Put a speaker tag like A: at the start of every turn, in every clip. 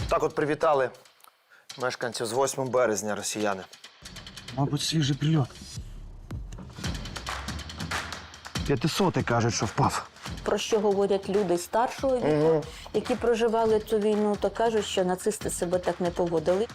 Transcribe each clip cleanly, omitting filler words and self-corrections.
A: Так от привітали мешканців з 8 березня росіяни.
B: Мабуть, свіжий прильот. 500-й кажуть, що впав.
C: Про що говорять люди старшого віку, які проживали цю війну, то кажуть, що нацисти себе так не поводили.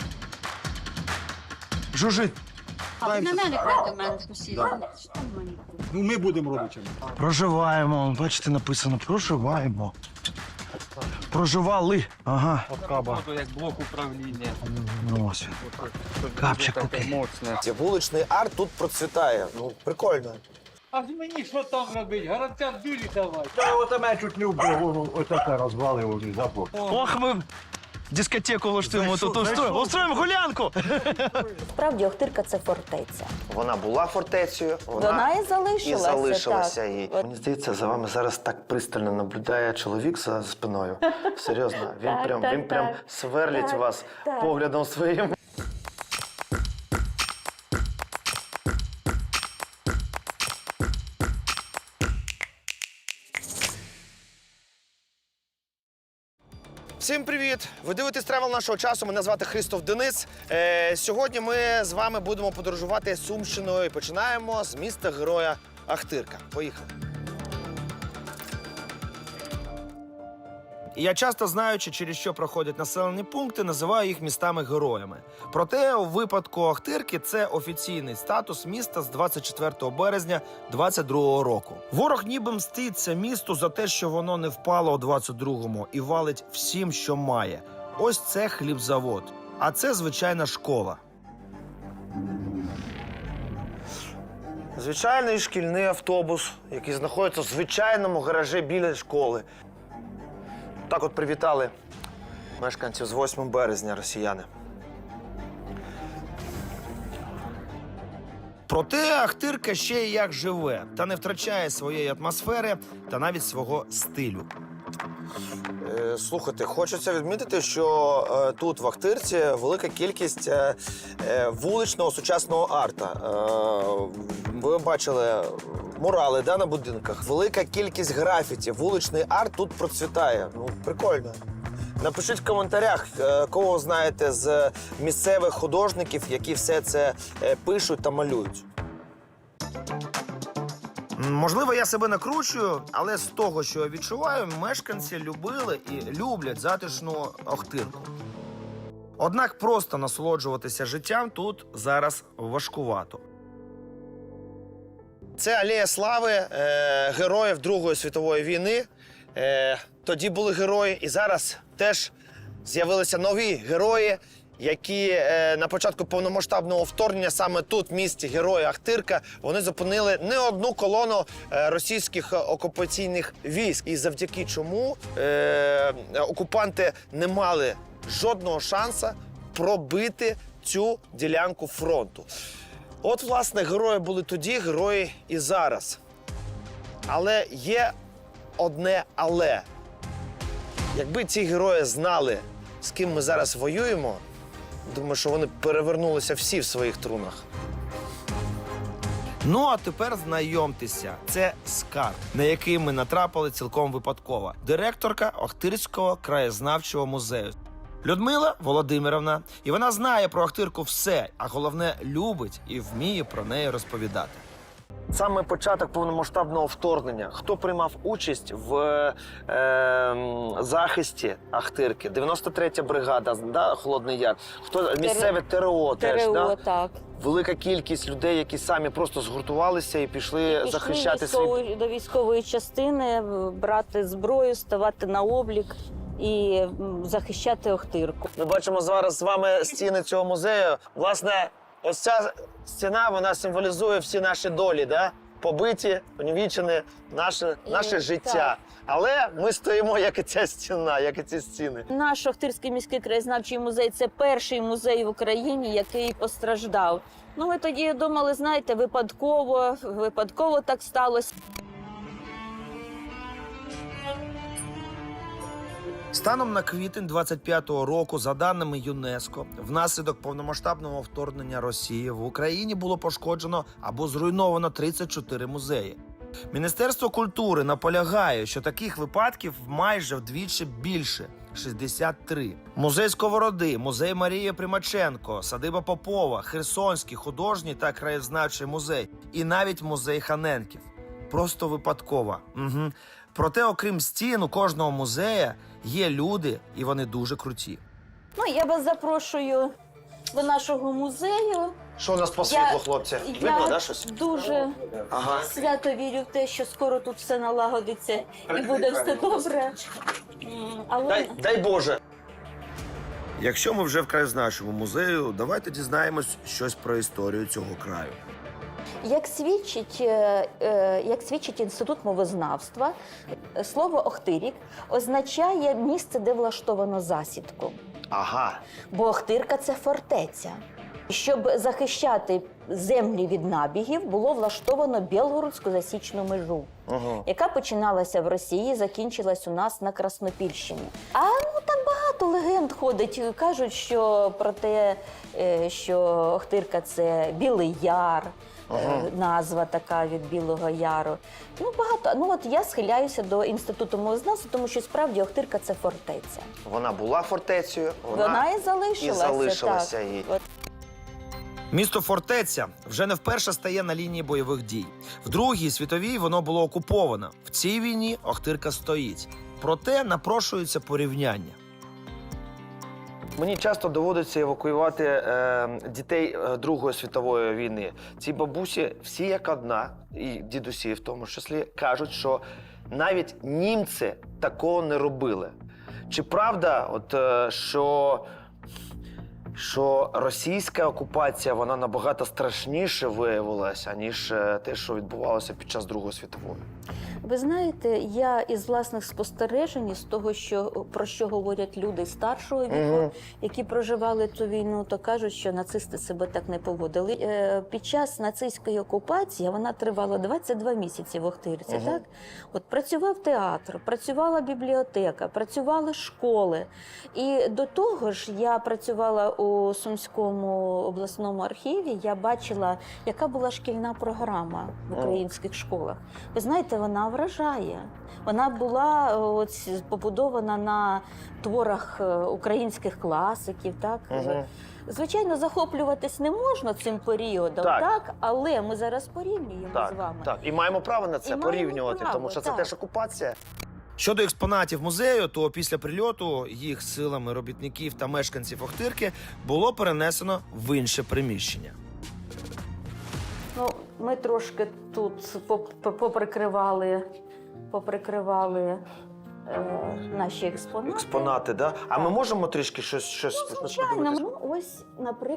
B: Жужить.
D: А ви на мене до мене сусіда.
E: Ну, ми будемо родичами.
B: Проживаємо. Бачите, написано проживаємо. Проживали. Ага.
E: Як блок управління.
B: Ну, ось. Капчик такий.
E: Моцне.
A: Вуличний арт тут процвітає. Ну, прикольно.
E: А мені що там робити? Гарантя дулі давай.
F: Та от мене чуть не вбив, ось таке розвалив запор.
B: Ох, ми дискотеку влаштуємо тут. Устроїмо гулянку.
C: Справді, Охтирка – це фортеця.
A: Вона була фортецею,
C: Вона і залишилася.
A: і залишилася
C: так.
A: їй.
C: От.
A: Мені здається, за вами зараз так пристально наблюдає чоловік за спиною. Серйозно, він
C: Так,
A: прям
C: так.
A: сверлить
C: Так,
A: вас
C: так.
A: поглядом своїм. Всім привіт! Ви дивитесь тревел нашого часу. Мене звати Христоф Денис. Сьогодні ми з вами будемо подорожувати Сумщиною і починаємо з міста героя Ахтирка. Поїхали! І я часто, знаючи, через що проходять населені пункти, називаю їх містами-героями. Проте у випадку Охтирки це офіційний статус міста з 24 березня 22-го року. Ворог ніби мститься місту за те, що воно не впало у 22-му і валить всім, що має. Ось це хлібзавод, а це звичайна школа. Звичайний шкільний автобус, який знаходиться в звичайному гаражі біля школи. Так от привітали мешканців з 8 березня росіяни. Проте Ахтирка ще й як живе, та не втрачає своєї атмосфери та навіть свого стилю. Слухайте, хочеться відмітити, що тут в Ахтирці велика кількість вуличного сучасного арта. Ви бачили мурали, да, на будинках. Велика кількість графіті. Вуличний арт тут процвітає. Ну, прикольно. Напишіть в коментарях, кого знаєте з місцевих художників, які все це пишуть та малюють. Можливо, я себе накручую, але з того, що я відчуваю, мешканці любили і люблять затишну Охтирку. Однак просто насолоджуватися життям тут зараз важкувато. Це алея слави героїв Другої світової війни. Тоді були герої, і зараз теж з'явилися нові герої, які на початку повномасштабного вторгнення саме тут, в місті Герої Ахтирка, вони зупинили не одну колону російських окупаційних військ. І завдяки чому окупанти не мали жодного шансу пробити цю ділянку фронту. От, власне, герої були тоді, герої і зараз. Але є одне але. Якби ці герої знали, з ким ми зараз воюємо, думаю, що вони перевернулися всі в своїх трунах. Ну, а тепер знайомтеся. Це скарб, на який ми натрапили цілком випадково. Директорка Охтирського краєзнавчого музею. Людмила Володимирівна. І вона знає про Охтирку все, а головне, любить і вміє про неї розповідати. Саме початок повномасштабного вторгнення. Хто приймав участь в захисті Ахтирки? 93-я бригада, да, Холодний Яр. Хто місцеве ТРО теж,
C: ТРО,
A: да?
C: так.
A: Велика кількість людей, які самі просто згуртувалися і пішли захищати свій...
C: до військової частини, брати зброю, ставати на облік і захищати Охтирку.
A: Ми бачимо зараз з вами стіни цього музею. Власне, ось ця стіна, вона символізує всі наші долі, да? Побиті, понівічені, наше життя.
C: Так.
A: Але ми стоїмо, як і ця стіна, як і ці стіни.
C: Наш Охтирський міський краєзнавчий музей – це перший музей в Україні, який постраждав. Ну, ми тоді думали, знаєте, випадково так сталося.
A: Станом на квітень 25-го року, за даними ЮНЕСКО, внаслідок повномасштабного вторгнення Росії в Україні було пошкоджено або зруйновано 34 музеї. Міністерство культури наполягає, що таких випадків майже вдвічі більше. 63. Музей Сковороди, музей Марії Примаченко, садиба Попова, Херсонський художній та краєзнавчий музей і навіть музей Ханенків. Просто випадково. Угу. Проте, окрім стін, у кожного музея є люди, і вони дуже круті.
C: Ну, я вас запрошую до нашого музею.
A: Що у нас по
C: світлу,
A: хлопці?
C: Я дуже
A: Ага.
C: свято вірю в те, що скоро тут все налагодиться і буде все добре. Але
A: Дай Боже. Якщо ми вже в краєзнавчому музею, давайте дізнаємось щось про історію цього краю.
C: як свідчить Інститут мовознавства, слово Охтирік означає місце, де влаштовано засідку.
A: Ага.
C: Бо Охтирка – це фортеця. Щоб захищати землі від набігів, було влаштовано Білгородську засічну межу, яка починалася в Росії, закінчилась у нас на Краснопільщині. Там багато легенд ходить. Кажуть, що про те, що Охтирка – це Білий Яр, назва така від Білого Яру. Багато. От я схиляюся до Інституту мовознавства, тому що справді Охтирка – це фортеця.
A: Вона була фортецею,
C: Вона і залишилася.
A: їй.
C: Так.
A: Місто Фортеця вже не вперше стає на лінії бойових дій. В Другій світовій воно було окуповано. В цій війні Охтирка стоїть. Проте напрошується порівняння. Мені часто доводиться евакуювати дітей Другої світової війни. Ці бабусі всі як одна, і дідусі в тому числі, кажуть, що навіть німці такого не робили. Чи правда, що російська окупація, вона набагато страшніше виявилася, ніж те, що відбувалося під час Другої світової?
C: Ви знаєте, я із власних спостережень, з того, про що говорять люди старшого віку, які проживали цю війну, то кажуть, що нацисти себе так не поводили. Під час нацистської окупації, вона тривала 22 місяці в Охтирці, так? От працював театр, працювала бібліотека, працювали школи. І до того ж, я працювала у Сумському обласному архіві, я бачила, яка була шкільна програма в українських школах. Ви знаєте, вона вражає. Вона була побудована на творах українських класиків, так? Звичайно, захоплюватись не можна цим періодом, так? Але ми зараз порівнюємо з вами.
A: Так, і маємо право на це порівнювати, тому що це теж окупація. Щодо експонатів музею, то після прильоту їх силами робітників та мешканців Охтирки було перенесено в інше приміщення.
C: Ми трошки тут поприкривали наші експонати.
A: Експонати, так? Да? А ми можемо трішки щось
C: звичайно. Ось,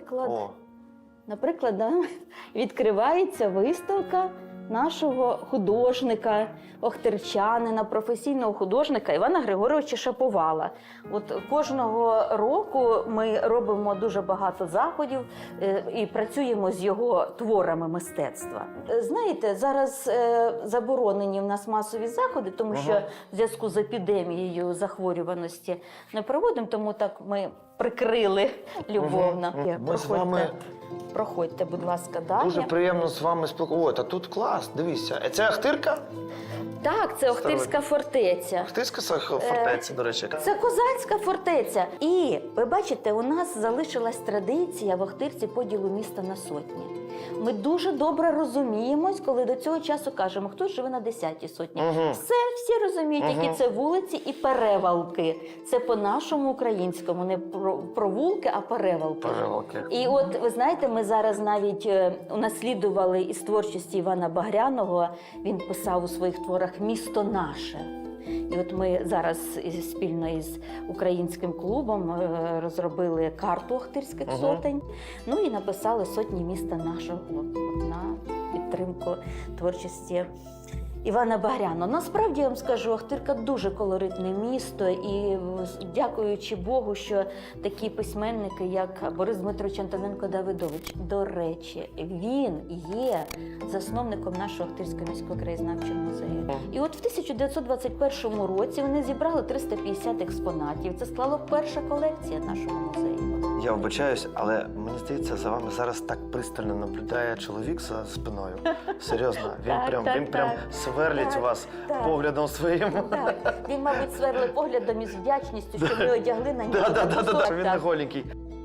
C: наприклад, відкривається виставка нашого художника, охтирчанина, професійного художника Івана Григоровича Шаповала. От кожного року ми робимо дуже багато заходів і працюємо з його творами мистецтва. Знаєте, зараз заборонені в нас масові заходи, тому що в зв'язку з епідемією захворюваності не проводимо, тому так ми прикрили любовно.
A: Ми з вами...
C: Проходьте, будь ласка, далі.
A: Дуже приємно з вами спілкуватися. Тут клас, дивіться. Це Охтирка?
C: Так, це Охтирська фортеця.
A: Охтирська фортеця, до речі.
C: Це козацька фортеця. І, ви бачите, у нас залишилась традиція в Охтирці поділу міста на сотні. Ми дуже добре розуміємось, коли до цього часу кажемо, хто живе на 10-й сотні. Всі розуміють, які це вулиці і перевалки. Це по-нашому українському, не провулки, а перевалки. І от, ви знаєте, ми зараз навіть унаслідували із творчості Івана Багряного. Він писав у своїх творах «Місто наше». І от ми зараз спільно із українським клубом розробили карту Охтирських сотень, і написали «Сотні міста нашого» на підтримку творчості Івана Багряного. Насправді, я вам скажу, Охтирка дуже колоритне місто, і дякуючи Богу, що такі письменники, як Борис Дмитрович Антоненко-Давидович, до речі, він є засновником нашого Охтирського міського краєзнавчого музею. І от в 1921 році вони зібрали 350 експонатів. Це склало перша колекція нашого музею.
A: Я вибачаюсь, але мені здається, за вами зараз так пристально наблюдає чоловік за спиною. Серйозно, він прям сверлить
C: Так,
A: вас
C: так.
A: поглядом своїм.
C: Так, він, мабуть, сверлив поглядом із вдячністю, що ми одягли на нього.
A: Да, він не
C: Так.
A: голенький.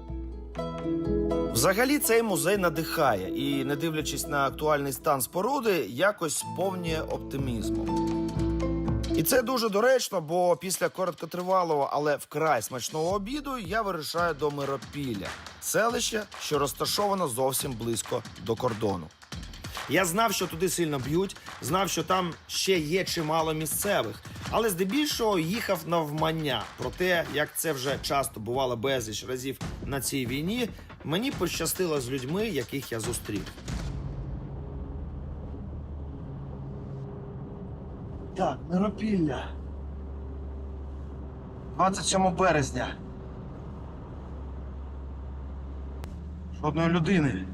A: Взагалі цей музей надихає і, не дивлячись на актуальний стан споруди, якось сповнює оптимізмом. І це дуже доречно, бо після короткотривалого, але вкрай смачного обіду я вирушаю до Миропілля, селище, що розташовано зовсім близько до кордону. Я знав, що туди сильно б'ють, знав, що там ще є чимало місцевих, але здебільшого їхав навмання. Про те, як це вже часто бувало безліч разів на цій війні, мені пощастило з людьми, яких я зустрів. Так, Миропілля. 27 березня. Жодної людини.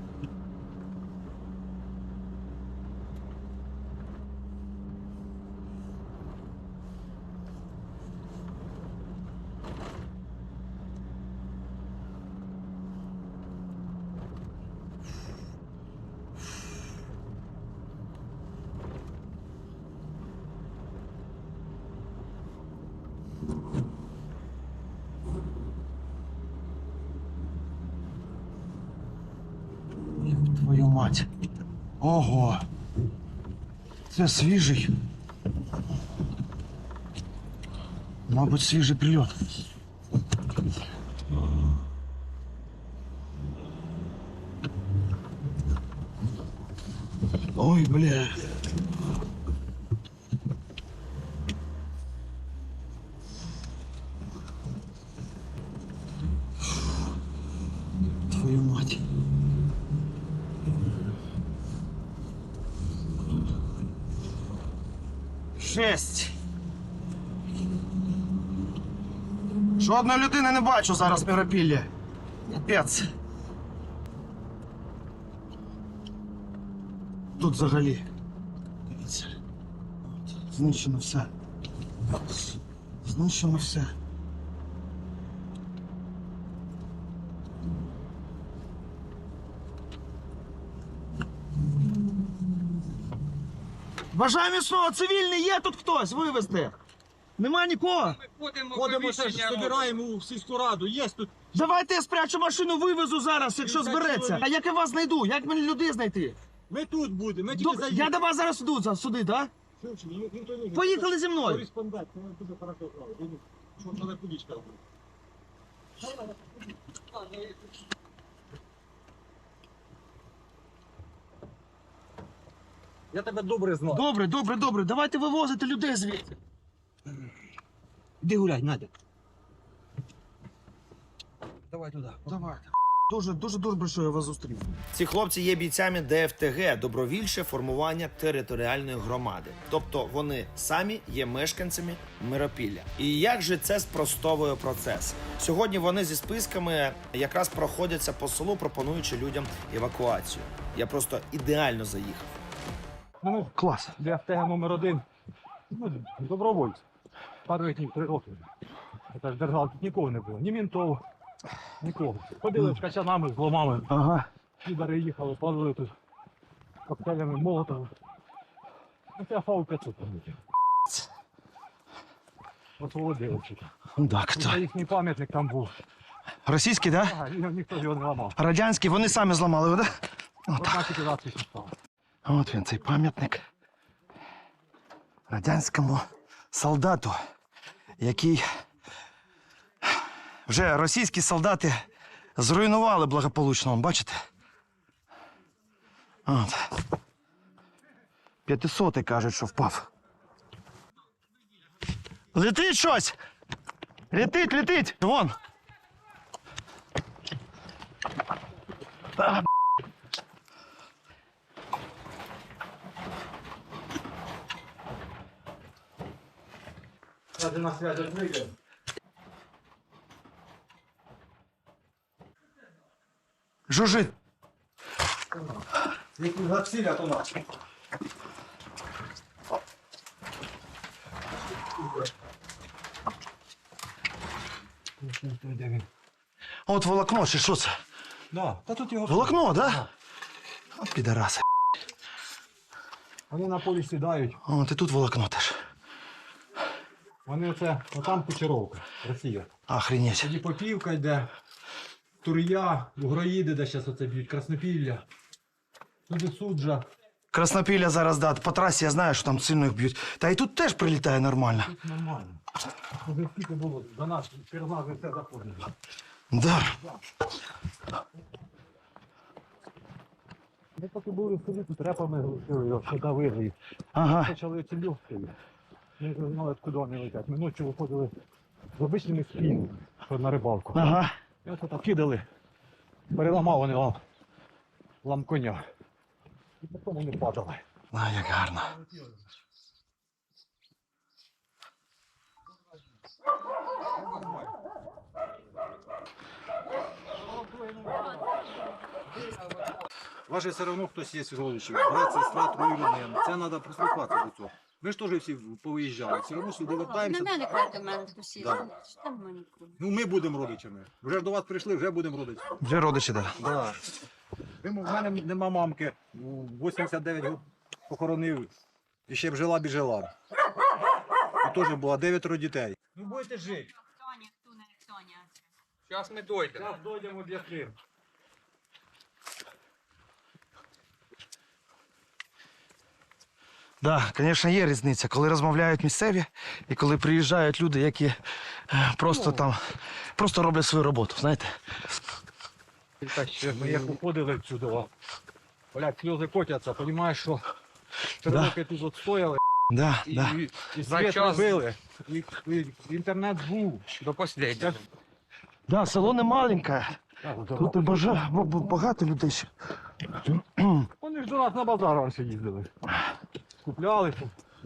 A: Твою мать. Ого. Це свіжий. Мабуть, свіжий прильот. Ой, бля. Твою мать. Жесть. Жодної людини не бачу зараз в Миропіллі. Капець. Тут взагалі. Дивіться. Знищено все. Знищено все. Бажаю міцного, цивільний, є тут хтось вивезти? Нема нікого?
E: Ходимо, збираємо у сільську раду, є тут.
B: Давайте я спрячу машину, вивезу зараз, якщо збереться. А як я вас знайду? Як мені людей знайти?
E: Ми тут будемо, ми тільки
B: Добре,
E: заїдемо.
B: я до вас зараз іду сюди, так? Поїхали зі мною.
E: Кореспондент, це дуже хорошо знав. Що це кудічка робить. Я тебе добре знаю.
B: Добре, добре, добре. Давайте вивозити людей звідси.
E: Іди гуляй, Надя. Давай туди.
B: Давайте. Дуже добре, що я вас зустрів.
A: Ці хлопці є бійцями ДФТГ – добровільче формування територіальної громади. Тобто вони самі є мешканцями Миропілля. І як же це спростовує процес? Сьогодні вони зі списками якраз проходяться по селу, пропонуючи людям евакуацію. Я просто ідеально заїхав.
E: Ну,
B: Клас.
E: ДФТГ номер 1. Ну, добровольці. Пару днів, 3 роки. Це ж держава, тут нікого не було. Ні мінтов, нікого. Ходили з качанами, з ломами.
B: Ага.
E: Підари їхали, палили тут коктейлями Молотова. Ну, це ФАУ-500 там. Освободили.
B: Так,
E: Це їхній пам'ятник там був.
B: Російський, так?
E: Ага, і ніхто його не ламав.
B: Радянський, вони самі зламали, так?
E: Одна ліквідація стала.
B: От він, цей пам'ятник радянському солдату, який вже російські солдати зруйнували благополучно, бачите? От. 500-й кажуть, що впав. Летить щось! Летить! Вон!
E: Ради на свято вийде.
B: Жужжить!
E: Ліквідація то нас.
B: От волокно, чи що це?
E: Да, та тут його...
B: Волокно, да? От підараси.
E: Вони на полі сідають.
A: О, ти тут волокно теж.
E: Вони оце, отам Кучеровка, Росія.
A: Охренеть.
E: Тоді Попівка йде, Тур'я, Угроїди, де зараз оце б'ють, Краснопілля. Туди Суджа.
A: Краснопілля зараз, да, по трасі я знаю, що там сильно їх б'ють. Та і тут теж прилітає нормально.
E: Тут нормально. Вже скільки було, до нас, через нас вже все заходить.
A: Да.
E: Ми поки були в селі, тут репами глушили його, що давили їх.
A: Ага.
E: Почали ці люхти. Ми вже знали, куди вони летять. Ми ночі виходили з обичними спінами, що на рибалку.
A: Ага.
E: І ось так кидали, переламав вони лам коня. І потім вони падали.
A: А, як гарно.
E: Ваше все одно хтось є з родичів, брат, сестра, троюрідний. Це треба прислухатися до цього. Ми ж теж всі повиїжджали, все одно сюди
D: На
E: вертаємося.
D: мене кладе мене сусіди.
E: Да.
D: Там мені куди.
E: Ну ми будемо родичами. Вже ж до вас прийшли, вже будемо родичами.
A: Вже родичі, да.
E: Да. В мене нема мамки, у 89 років похоронив, і ще б жила. І теж було 9 дітей. Ну будете жити.
D: Тоня, хто не Тоня.
G: Зараз ми дойдемо.
E: Зараз дойдемо до Ястрим.
A: Да, звісно, є різниця, коли розмовляють місцеві і коли приїжджають люди, які просто там, просто роблять свою роботу, знаєте.
E: Ми як уходили відсюди, блядь, сльози котяться, розумієш, що 3
A: Да.
E: роки тут стояли,
A: Да, да.
E: і
G: За
E: світ
G: час-
E: робили, і інтернет був.
G: До останнього.
A: Да, село не маленьке. Тут і багато людей ще.
E: Вони ж до нас на базар раніше їздили. Куплялися.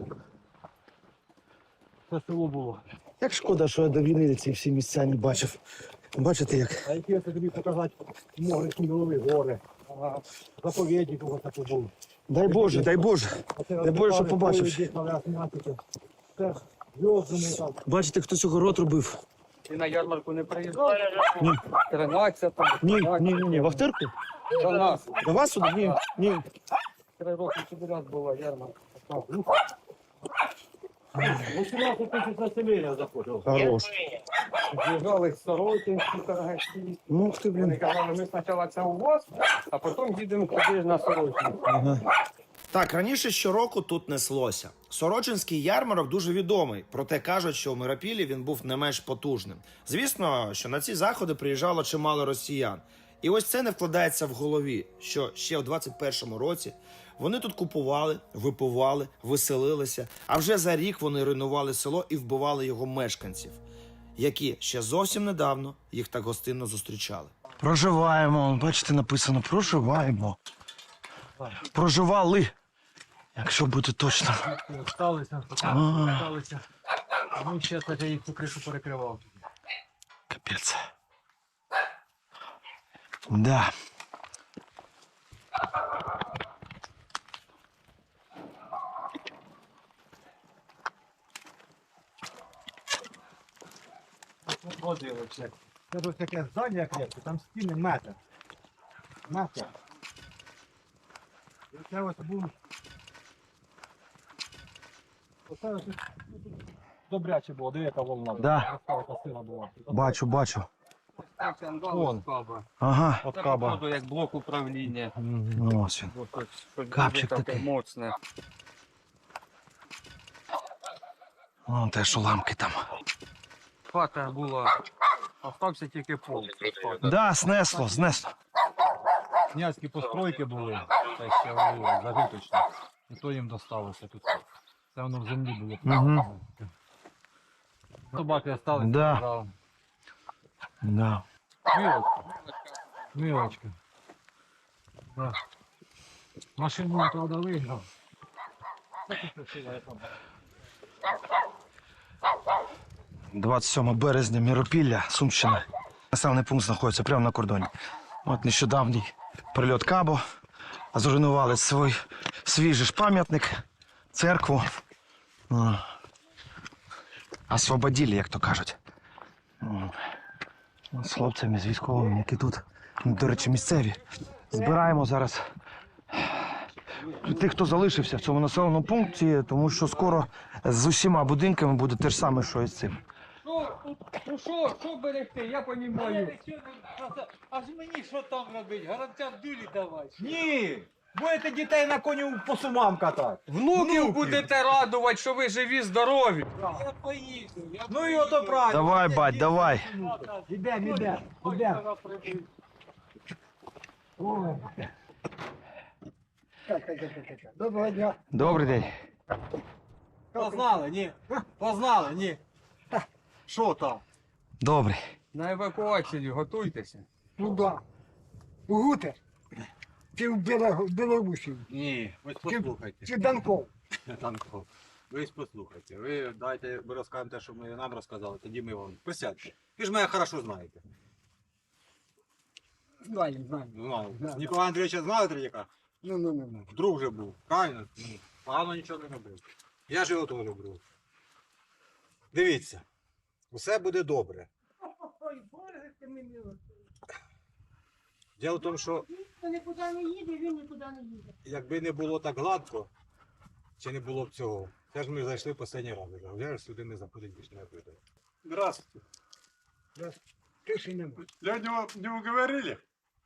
E: Це село було.
A: Як шкода, що я до війни ці всі місця не бачив. Бачите як?
E: А які я тобі показати море, Кундалові гори, заповідник у вас такий був.
A: Дай Боже, дай Боже. Дай Боже, щоб побачив.
E: Це зв'язаний там.
A: Бачите, хтось огород робив.
G: Ти на ярмарку не приїжджав? 13
A: Ні. В Ахтирку?
G: До нас.
A: До вас сюди? Ні.
G: 3 роки сюди раз була ярмарка.
E: 18 тисяч населення заходило.
A: Хорош.
G: З'їжджали з Сорокінські торгаші.
A: Ну, ти,
G: Вони
A: блін.
G: казали, ми спочатку це у вас, а потім їдемо туди на Сорокінську.
H: Так, раніше щороку тут неслося. Сорочинський ярмарок дуже відомий, проте кажуть, що в Миропіллі він був не менш потужним. Звісно, що на ці заходи приїжджало чимало росіян. І ось це не вкладається в голові, що ще у 21-му році вони тут купували, випивали, веселилися, а вже за рік вони руйнували село і вбивали його мешканців, які ще зовсім недавно їх так гостинно зустрічали.
A: Проживаємо. Бачите, написано проживаємо. Проживали. Якщо бути точно.
E: Сталися, сталися. А ми ще, кстати, їх цю кришу перекривав.
A: Капець. Да.
E: Водилося. Це ось таке здання крепке, там стіни метр. Метр. І це ось був. Оце ось добряче було, диви, яка волна.
A: Да.
E: Яка сила була.
A: Бачу.
E: Вон.
A: Ага.
E: От
G: Це
E: каба.
G: походу як блок управління.
A: Ну, ось він.
G: Бо тут щось
A: Капчик
G: дуже
A: такий.
G: моцне.
A: Вон теж уламки там.
G: Хата була, остався тільки пол.
A: Да, снесло.
E: Князькі постройки були, та ще вони зажиточні. І то їм досталося тут. Це воно в землі було.
A: Мгм.
E: Собаки осталися.
A: Да.
E: Да.
A: Да.
E: Милочка. Да. Машину, правда, вигнав.
A: 27 березня, Миропілля, Сумщина. Населений пункт знаходиться прямо на кордоні. От нещодавній прильот Кабо. Зруйнували свій же ж пам'ятник, церкву. Освободили, як то кажуть. З хлопцями, з військовими, які тут, до речі, місцеві. Збираємо зараз
B: тих, хто залишився в цьому населеному пункті, тому що скоро з усіма будинками буде те ж саме, що і з цим.
G: Ну що берегти, я понімаю. А ж мені що там робити? Гарантя дулі давай.
E: Ні! Будете дітей на коню по сумам катати.
G: Внуків будете радувати, що ви живі, здорові. Я поїду.
E: Ну і ото правильно.
B: Давай, бать, давай.
E: Ідем. Доброго дня.
B: Добрий день.
E: Познали, ні. Що там?
B: Добрий.
G: На евакуацію готуйтеся.
I: Ну да. Гутер. Чи в Білорусі.
E: Ні, ви послухайте.
I: Чи Данков.
E: Танков. Ви послухайте. Ви дайте, ми розкажемо те, що ми нам розказали, тоді ми вам. Присядьте. Ви ж мене хорошо знаєте.
I: Знаю.
E: Знаю.
I: Да.
E: Ніколая Андрійовича знали Третьяка?
I: Ну.
E: Друг вже був. Правильно? Погано нічого не робив. Я ж його теж люблю. Дивіться. Усе буде добре. Діло в тому, що
J: Ніхто нікуди не їде, він нікуди не їде.
E: якби не було так гладко, чи не було б цього, це ж ми зайшли останній раз. Вже сюди не заходить більше ніякої людей.
F: Здравствуйте.
I: Тиші нема.
F: Сегодня не уговорили?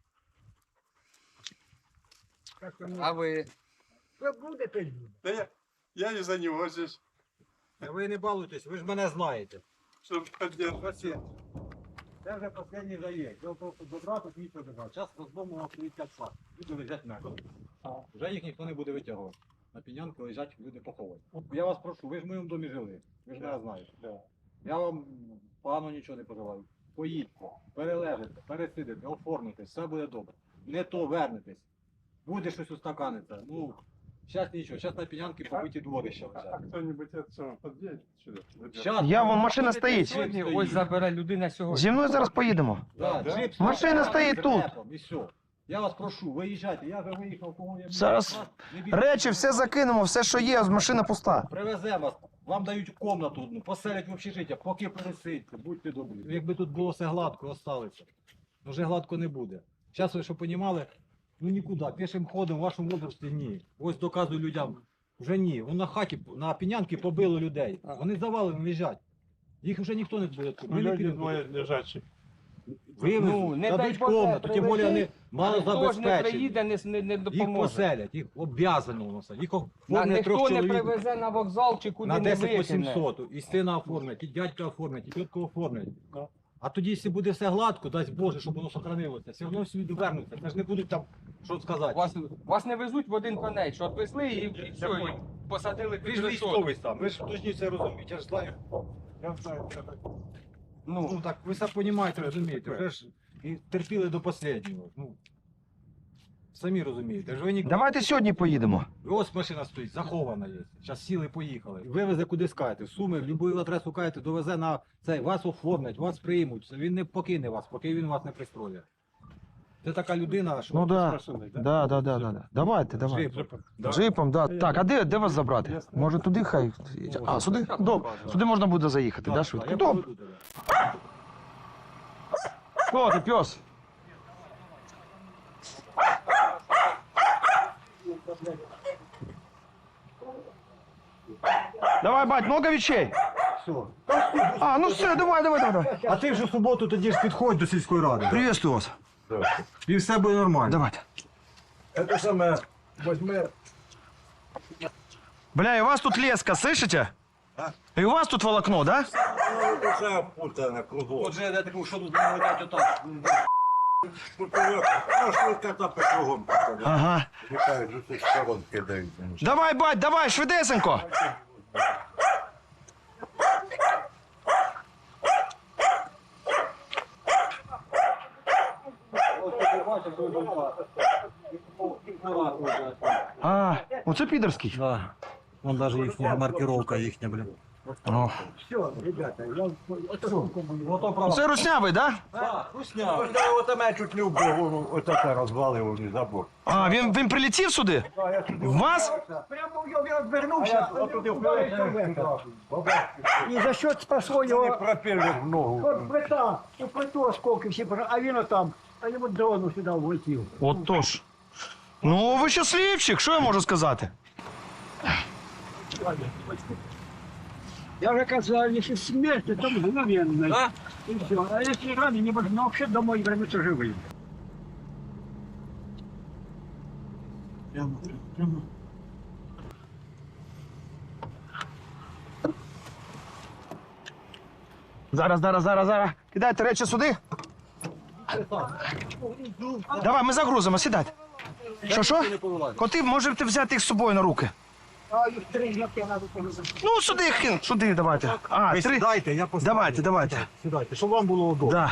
G: А ви?
I: Що буде, то й буде.
F: Да я не за него здесь,
E: Та ви не балуйтесь, ви ж мене знаєте.
F: чтобы поддержать.
E: Це вже останній заїзд. Діло в тому, що добра тут нічого не брати. Зараз розломував стоїть 5 фар. Люди лежать мертві. Вже їх ніхто не буде витягувати. На пінянку лежать, люди поховані. Я вас прошу, ви ж в моєму домі жили. Ви ж мене знаєте. Я вам погано нічого не пожелаю. Поїдьте, перележите, пересидите, оформитесь, все буде добре. Не то вернетесь. Буде щось устаканиться. Ну, зараз нічого, зараз на пінянки побиті дворища
F: А
E: лежать.
F: кто-нибудь это подъедет сюда?
E: Щас,
B: Я вон, машина стоїть.
G: Сьогодні ось забере людина сьогодні.
B: Зі мною зараз поїдемо.
E: Да,
F: Да?
E: джип
B: Машина
E: стоїть
B: стоїть тут.
E: І все. Я вас прошу, виїжджайте. Я вже виїхав, кого я
B: Зараз
E: не бійтесь.
B: речі, все закинемо, все, що є, машина пуста.
E: Привеземо вас, вам дають комнату одну, поселять в общежиття, поки пересидьте, будьте добрі. Якби тут було все гладко, осталося. Вже гладко не буде. Зараз ви що розуміли, ну нікуди, пішим ходом в вашому возрасті ні. Ось доказую людям, вже ні. Вон на хаті, на пінянки побили людей. Вони завалені лежать. Їх вже ніхто не буде.
F: Ну,
E: Ми не
F: люди
E: підемо.
F: двое лежачие.
E: Вивезуть,
G: Ну, не дай
E: дадуть
G: Боже,
E: комнату, тим більше вони мало
G: Хто ж не
E: забезпечені.
G: приїде, не
E: Їх
G: допоможе.
E: поселять, їх обов'язано воно все. Їх
G: На,
E: оформлять
G: ніхто
E: трьох
G: не
E: чоловік.
G: привезе на вокзал чи куди
E: На
G: не
E: 10 по
G: викине.
E: 700. І сина оформлять, і дядька оформлять, і тітку оформлять. А тоді, якщо буде все гладко, дасть Боже, щоб воно сохранилося, все одно всі довернуться. Це ж не будуть там, що сказати.
G: Вас не везуть в один конець, що відвезли і все, і посадили
E: Ви
G: під
E: ж
G: решетку.
E: військовий сам, ви ж повинні це розуміти, я ж знаю.
F: Я знаю, что это.
E: Ну так, ви все розумієте, розумієте. Ви ж і терпіли до останнього. Ну, самі розумієте. Ж ви ні...
B: Давайте сьогодні поїдемо.
E: Ось машина стоїть, захована є. Зараз сіли, поїхали. Вивезе куди скаєте. Суми, в будь-яку адресу каєте, довезе на цей, вас оформлять, вас приймуть. Він не покине вас, поки він вас не пристроє. Це така людина, що...
B: Ну да.
F: Машиной, да?
B: Да. Давайте.
E: Джипом.
B: Джипом, да. Так, а де вас забрати? Може туди хай. А, сюди? Добре. Сюди можна буде заїхати, да, швидко?
E: я
B: Добре.
E: поведу тебе.
B: Хто ти, пес? Давай, бать, много вещей?
E: Все.
B: А, ну все, давай.
E: А ти вже в суботу тоді ж підходь до сільської ради.
B: Приветствую вас.
E: І все буде нормально.
B: Давайте.
F: Это самое, возьми.
B: Бля, и у вас тут леска, слышите? И у вас тут волокно, да?
F: Уже опутано кругом.
E: Отже, я так, що тут будемо летати отак.
F: Ну, что кота по кругом.
B: Ага.
F: Летают, же с сторон кидают.
B: Давай, бать, давай, швидесенько. А, оце підерський.
E: Да. Вон даже їхня маркировка їхня, блін.
B: О.
I: Все, ребята, я... Ото
E: Ото правда.
B: Це руснявий, да?
F: Вот меня чуть не убил, вот это разваливал не забор.
B: А, він прилетів сюди? В вас?
I: Прямо я відвернувся, і за що спасло
F: Не
I: його
F: пропеллер в ногу.
I: от плита, у плиту осколки всі, а він отам, а йому дрону сюди влетів.
B: Отож. Ну, ви щасливчик, що я можу сказати?
I: Я вже казав, якщо смерть, то мгновенно.
G: А?
I: І все. А якщо ранені, можна взагалі домой вернутися живим.
B: Зараз. Кидайте речі сюди. Давай, ми загрузимо, сідайте. Що? Коти, можете взяти їх з собою на руки.
I: А їх 3 знаки треба повезти.
B: Ну, сюди їх кину. Сюди давайте. А,
F: Ви
B: 3.
F: сідайте, я поставлю.
B: Давайте.
F: Сідайте, щоб вам було удобно.
B: Да.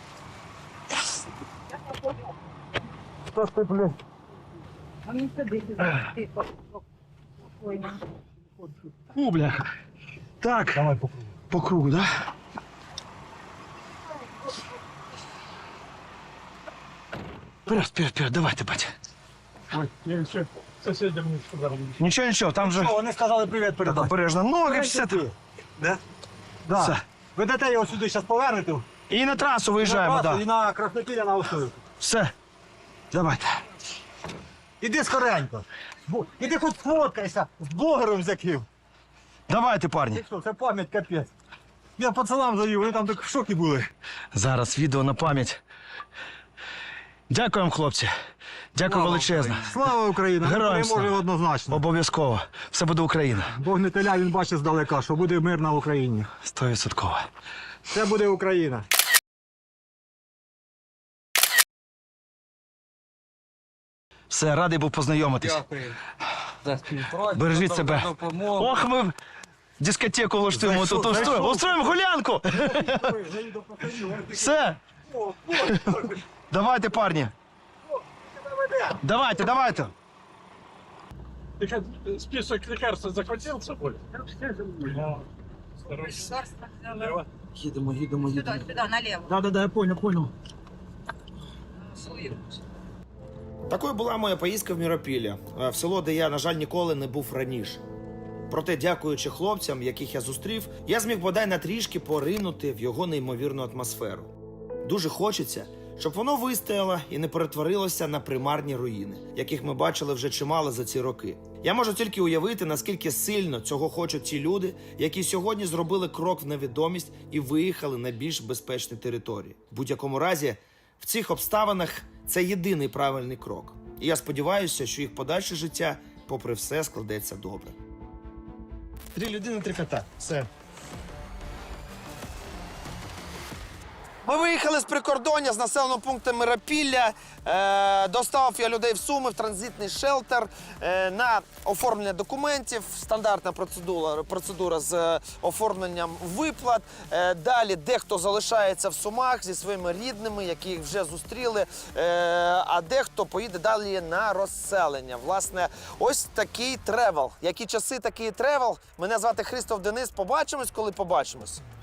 J: А мені сидити. Тихо. Спокійно.
B: О, бляха. Так,
F: Давай по кругу.
B: по кругу, да? Вперед, давайте, батя.
I: Ой, я ще сусідям не сказав.
B: Нічого, там же
F: Вони сказали привіт передати.
B: обережно ноги, все.
F: Да?
B: Все.
F: Да. Ви дете його сюди зараз повернете.
B: І на трасу виїжджаємо,
F: на трасу,
B: да.
F: і на Краснопілля на Острові.
B: Все. Давайте.
F: Іди скоренько. Іди хоч сфоткайся з блогером з яким.
B: Давайте, парні.
F: Ти що, це пам'ять капець. Я пацанам завів, вони там так в шокі були.
B: Зараз відео на пам'ять. Дякую вам, хлопці. Дякую величезно.
F: Слава Україні!
B: Героям
F: Переможе
B: слава.
F: однозначно.
B: Обов'язково. Все буде Україна.
F: Бог не теля, він бачить здалека, що буде мир на Україні.
B: 100%.
F: Це буде Україна.
B: Все, радий був познайомитись.
G: Дякую за співпрацю.
B: Бережіть
G: за
B: себе.
G: допомогу.
B: Ох, ми дискотеку влаштуємо тут. Устроїмо гулянку. Все. Давайте, парні. Давайте.
I: Ты список лекарств захватил с собой?
B: Їдемо.
D: Сюди, наліво.
B: Да, я понял.
H: Такою була моя поїздка в Міропілля, в село, де я, на жаль, ніколи не був раніше. Проте, дякуючи хлопцям, яких я зустрів, я зміг бодай на трішки поринути в його неймовірну атмосферу. Дуже хочеться, щоб воно вистояло і не перетворилося на примарні руїни, яких ми бачили вже чимало за ці роки. Я можу тільки уявити, наскільки сильно цього хочуть ті люди, які сьогодні зробили крок в невідомість і виїхали на більш безпечні території. В будь-якому разі, в цих обставинах це єдиний правильний крок. І я сподіваюся, що їх подальше життя, попри все, складеться добре.
B: 3 людини, 3 кота. Все.
A: Ми виїхали з прикордоння, з населеного пункту Миропілля. Доставив я людей в Суми, в транзитний шелтер на оформлення документів. Стандартна процедура з оформленням виплат. Далі дехто залишається в Сумах зі своїми рідними, які їх вже зустріли, а дехто поїде далі на розселення. Власне, ось такий тревел. Які часи, такий тревел. Мене звати Христоф Денис. Побачимось, коли побачимось.